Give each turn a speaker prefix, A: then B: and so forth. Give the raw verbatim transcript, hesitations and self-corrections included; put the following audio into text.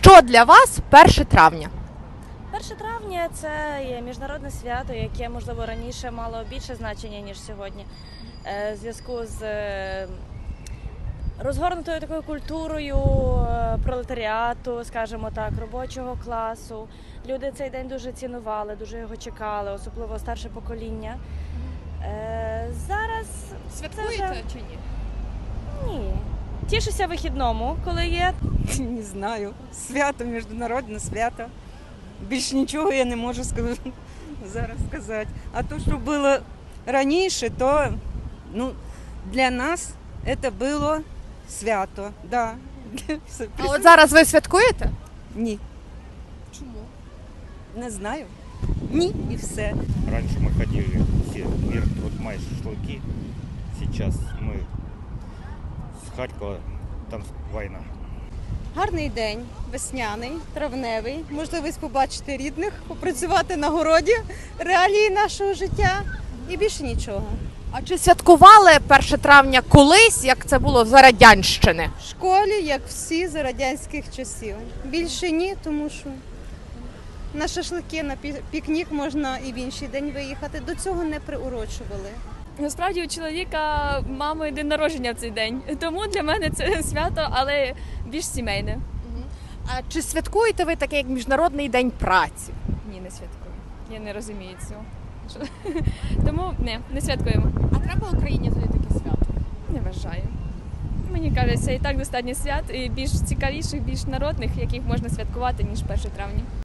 A: Що для вас перше травня?
B: перше травня – це є міжнародне свято, яке, можливо, раніше мало більше значення, ніж сьогодні. Е, В зв'язку з е, розгорнутою такою культурою е, пролетаріату, скажімо так, робочого класу. Люди цей день дуже цінували, дуже його чекали, особливо старше покоління. Е, Зараз
A: Святкуєте
B: вже...
A: чи ні?
B: Ні. Тішуся вихідному, коли є.
C: Не знаю. Свято, міжнародне свято. Більш нічого я не можу сказати, зараз сказати. А то, що було раніше, то ну, для нас це було свято. Да.
A: А от зараз ви святкуєте?
C: Ні,
A: Чому?
C: не знаю. Ні і все.
D: Раньше мы ходили все, мир, вот май, шашлыки. Сейчас мы с Харькова, там война.
E: Гарний день, весняний, травневий, можливість побачити рідних, попрацювати на городі, реалії нашого життя і більше нічого.
A: А чи святкували перше травня колись, як це було за Радянщини?
E: В школі, як всі за радянських часів. Більше ні, тому що на шашлики, на пі- пікнік можна і в інший день виїхати. До цього не приурочували.
F: Насправді у чоловіка мами день народження в цей день, тому для мене це свято, але більш сімейне.
A: А чи святкуєте ви таке, як Міжнародний день праці?
F: Ні, не святкую. Я не розумію цього. Що- Тому не, не святкуємо.
A: А треба Україні тоді таке свято?
F: Не вважаю. Мені кажеться, і так достатньо свят, і більш цікавіших, більш народних, яких можна святкувати, ніж перше травня.